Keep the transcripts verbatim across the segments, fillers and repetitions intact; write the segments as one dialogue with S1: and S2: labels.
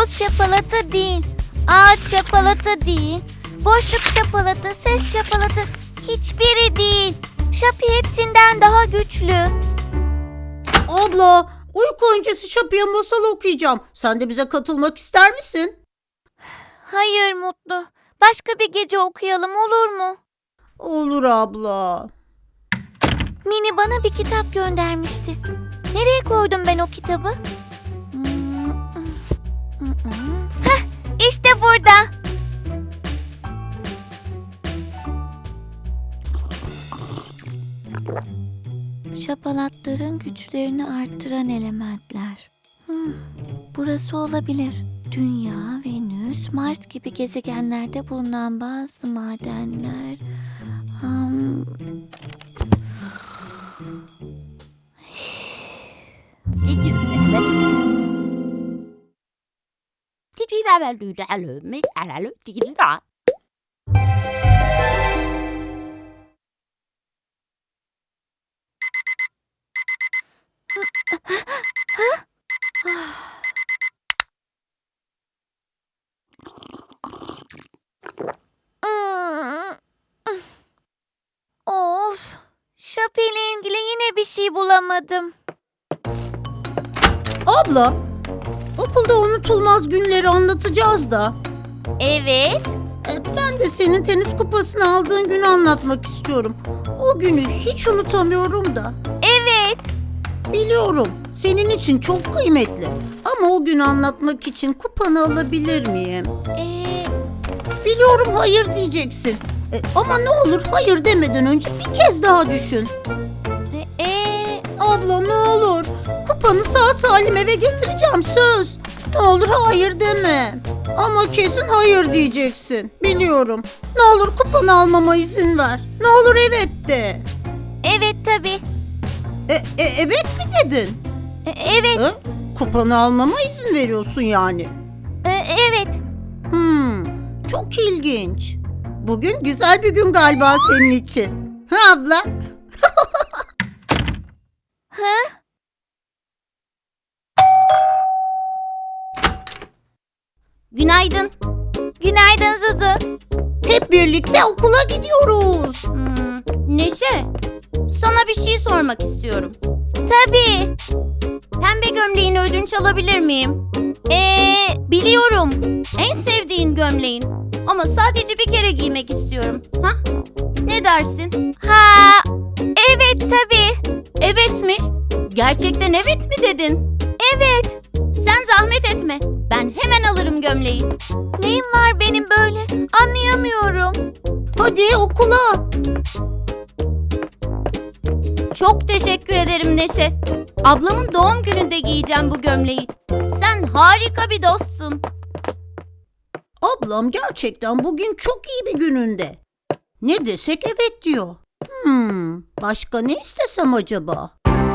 S1: toz şapalatı değil, ağaç şapalatı değil, boşluk şapalatı, ses şapalatı hiçbiri değil. Şapi hepsinden daha güçlü.
S2: Abla, uyku öncesi Şapi'ye masal okuyacağım. Sen de bize katılmak ister misin?
S1: Hayır Mutlu. Başka bir gece okuyalım olur mu?
S2: Olur abla.
S1: Mini bana bir kitap göndermişti. Nereye koydum ben o kitabı? Heh, işte burada. Şapalatların güçlerini arttıran elementler. Hmm, burası olabilir. Dünya, Venüs, Mars gibi gezegenlerde bulunan bazı madenler. Hmm. Of, Şapi ile ilgili yine bir şey bulamadım.
S2: Abla, okulda unutulmaz günleri anlatacağız da.
S1: Evet.
S2: E, Ben de senin tenis kupasını aldığın günü anlatmak istiyorum. O günü hiç unutamıyorum da.
S1: Evet.
S2: Biliyorum, senin için çok kıymetli. Ama o günü anlatmak için kupanı alabilir miyim?
S1: Ee,
S2: Biliyorum hayır diyeceksin. E, ama ne olur hayır demeden önce bir kez daha düşün.
S1: e, e,
S2: Abla ne olur. Kupanı sağ salim eve getireceğim söz. Ne olur hayır deme. Ama kesin hayır diyeceksin. Biliyorum. Ne olur kupanı almama izin ver. Ne olur evet de.
S1: evet tabii.
S2: E, e, evet mi dedin?
S1: E, evet.
S2: E, kupanı almama izin veriyorsun yani.
S1: e, evet.
S2: Hmm, çok ilginç. Bugün güzel bir gün galiba senin için. Ha abla?
S1: Ha?
S3: Günaydın.
S1: Günaydın Zuzu.
S2: Hep birlikte okula gidiyoruz.
S3: Hmm, Neşe, sana bir şey sormak istiyorum.
S1: Tabii.
S3: Pembe gömleğini ödünç alabilir miyim?
S1: Ee,
S3: Biliyorum, en sevdiğin gömleğin. Ama sadece bir kere giymek istiyorum. Ha? Ne dersin?
S1: ha, evet tabii.
S3: Evet mi? Gerçekten evet mi dedin?
S1: Evet.
S3: Sen zahmet etme. Ben hemen alırım gömleği.
S1: Neyim var benim böyle? Anlayamıyorum.
S2: Hadi okula.
S3: Çok teşekkür ederim Neşe. Ablamın doğum gününde giyeceğim bu gömleği. Sen harika bir dostsun.
S2: Ablam gerçekten bugün çok iyi bir gününde. Ne desek evet diyor. Hmm, başka ne istesem acaba?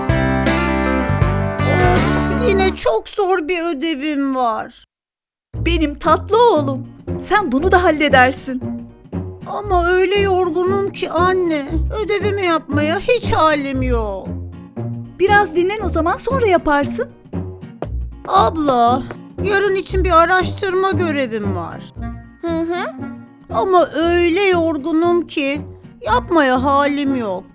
S2: Of, yine çok zor bir ödevim var.
S4: Benim tatlı oğlum. Sen bunu da halledersin.
S2: Ama öyle yorgunum ki anne. Ödevimi yapmaya hiç halim yok.
S4: Biraz dinlen o zaman sonra yaparsın.
S2: Abla, yarın için bir araştırma görevim var.
S1: Hı hı.
S2: Ama öyle yorgunum ki yapmaya halim yok.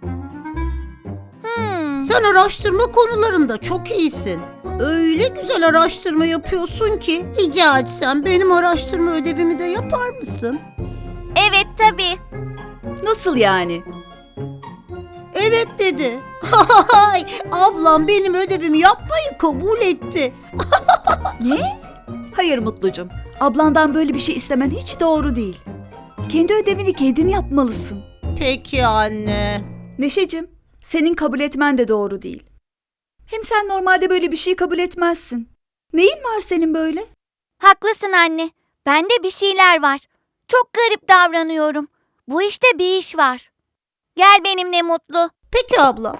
S1: Hmm.
S2: Sen araştırma konularında çok iyisin. Öyle güzel araştırma yapıyorsun ki rica etsem benim araştırma ödevimi de yapar mısın?
S1: Evet tabii.
S4: Nasıl yani?
S2: Evet dedi. Hay, ablam benim ödevimi yapmayı kabul etti.
S4: Ne? Hayır Mutlucum. Ablandan böyle bir şey istemen hiç doğru değil. Kendi ödevini kendin yapmalısın.
S2: Peki anne.
S4: Neşecim, senin kabul etmen de doğru değil. Hem sen normalde böyle bir şey kabul etmezsin. Neyin var senin böyle?
S1: Haklısın anne. Bende bir şeyler var. Çok garip davranıyorum. Bu işte bir iş var. Gel benimle Mutlu.
S2: Peki abla.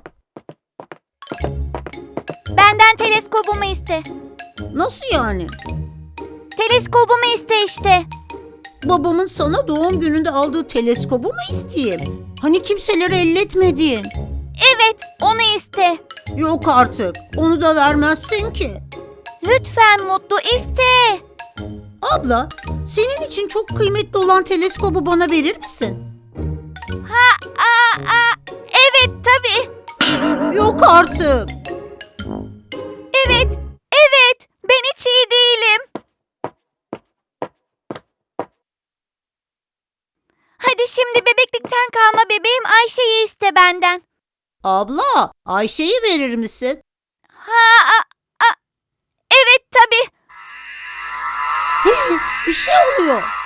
S1: Benden teleskobumu iste.
S2: Nasıl yani?
S1: Teleskobumu iste işte.
S2: Babamın sana doğum gününde aldığı teleskobu mu isteyeyim? Hani kimseleri elletmedin.
S1: Evet, onu iste.
S2: Yok artık. Onu da vermezsin ki.
S1: Lütfen Mutlu iste.
S2: Abla, senin için çok kıymetli olan teleskobu bana verir misin?
S1: Ha, aa, aa, evet tabii.
S2: Yok artık.
S1: Evet, evet. Ben hiç iyi değilim. Hadi şimdi bebeklikten kalma bebeğim Ayşe'yi iste benden.
S2: Abla, Ayşe'yi verir misin?
S1: Ha, a, a, evet tabii.
S2: Bir şey oluyor.